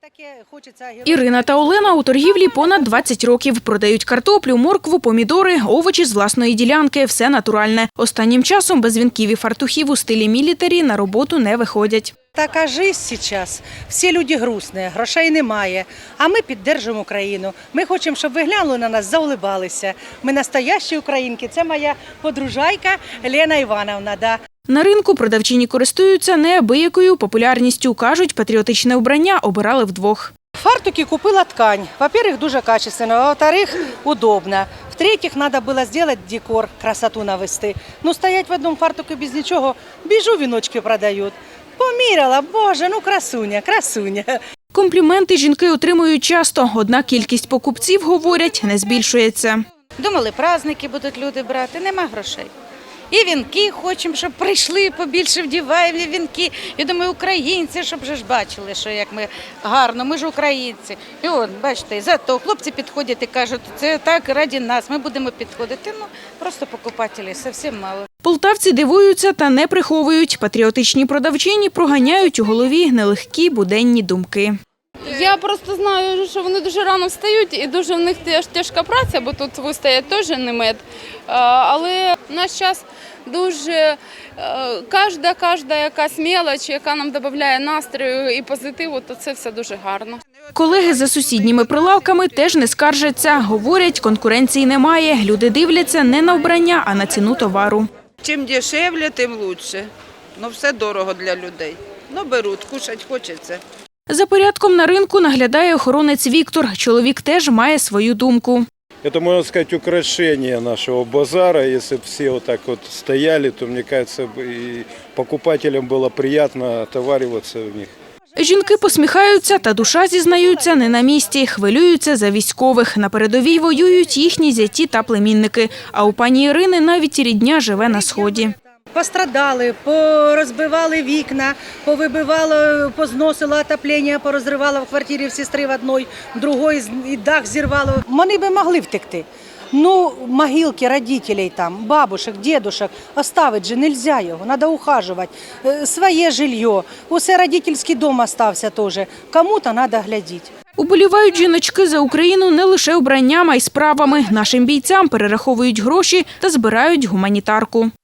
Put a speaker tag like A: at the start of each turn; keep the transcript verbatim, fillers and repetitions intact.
A: Ірина та Олена у торгівлі понад двадцять років. Продають картоплю, моркву, помідори, овочі з власної ділянки. Все натуральне. Останнім часом без вінків і фартухів у стилі мілітарі на роботу не виходять.
B: Така життя зараз. Всі люди грустні, грошей немає. А ми підтримуємо Україну. Ми хочемо, щоб ви глянули на нас, заулибалися. Ми настоящі українки. Це моя подружайка Лена Івановна. Да.
A: На ринку продавчині користуються неабиякою популярністю. Кажуть, патріотичне вбрання обирали вдвох.
B: Фартуки купила ткань. Во-первых, дуже качественно, а во-вторых, удобно. В-третьих, треба було зробити декор, красоту навести. Ну, стоять в одному фартуку без нічого, біжу, віночки продають. Поміряла, боже, ну красуня, красуня.
A: Компліменти жінки отримують часто, однак кількість покупців, говорять, не збільшується.
C: Думали, праздники будуть люди брати, нема грошей. І вінки хочемо, щоб прийшли, побільше вдіваємо вінки. Я думаю, українці, щоб вже ж бачили, що як ми гарно, ми ж українці. І от, бачите, зато хлопці підходять і кажуть, це так раді нас, ми будемо підходити. Ну, просто покупателів зовсім мало.
A: Полтавці дивуються та не приховують. Патріотичні продавчині проганяють у голові нелегкі буденні думки.
D: Я просто знаю, що вони дуже рано встають і дуже в них теж тяжка праця, бо тут вистоять теж не мед. Але в наш час дуже кожна, кожна якась мелоч, яка нам додає настрою і позитиву, то це все дуже гарно.
A: Колеги за сусідніми прилавками теж не скаржаться. Говорять, конкуренції немає. Люди дивляться не на вбрання, а на ціну товару.
E: Чим дешевле, тим краще. Ну, все дорого для людей. Ну, беруть, кушать хочеться.
A: За порядком на ринку наглядає охоронець Віктор. Чоловік теж має свою думку.
F: Это, можно сказать, украшение нашего базара. Если бы все вот так вот стояли, то, мне кажется, и покупателям было приятно отовариваться в них.
A: Жінки посміхаються, та душа, зізнаються, не на місці. Хвилюються за військових. На передовій воюють їхні зяті та племінники. А у пані Ірини навіть рідня живе на Сході.
B: Пострадали, порозбивали вікна, повибивало, позносило отоплення, порозривало в квартирі в сестри в одній, в другій і дах зірвало. Вони би могли втекти. Ну, могилки родителей там, бабушек, дедушек, оставить же нельзя його, треба ухажувати. Своє жилье, усе родительський дом остався теж, кому-то треба глядіти.
A: Уболівають жіночки за Україну не лише обранням, а й справами. Нашим бійцям перераховують гроші та збирають гуманітарку.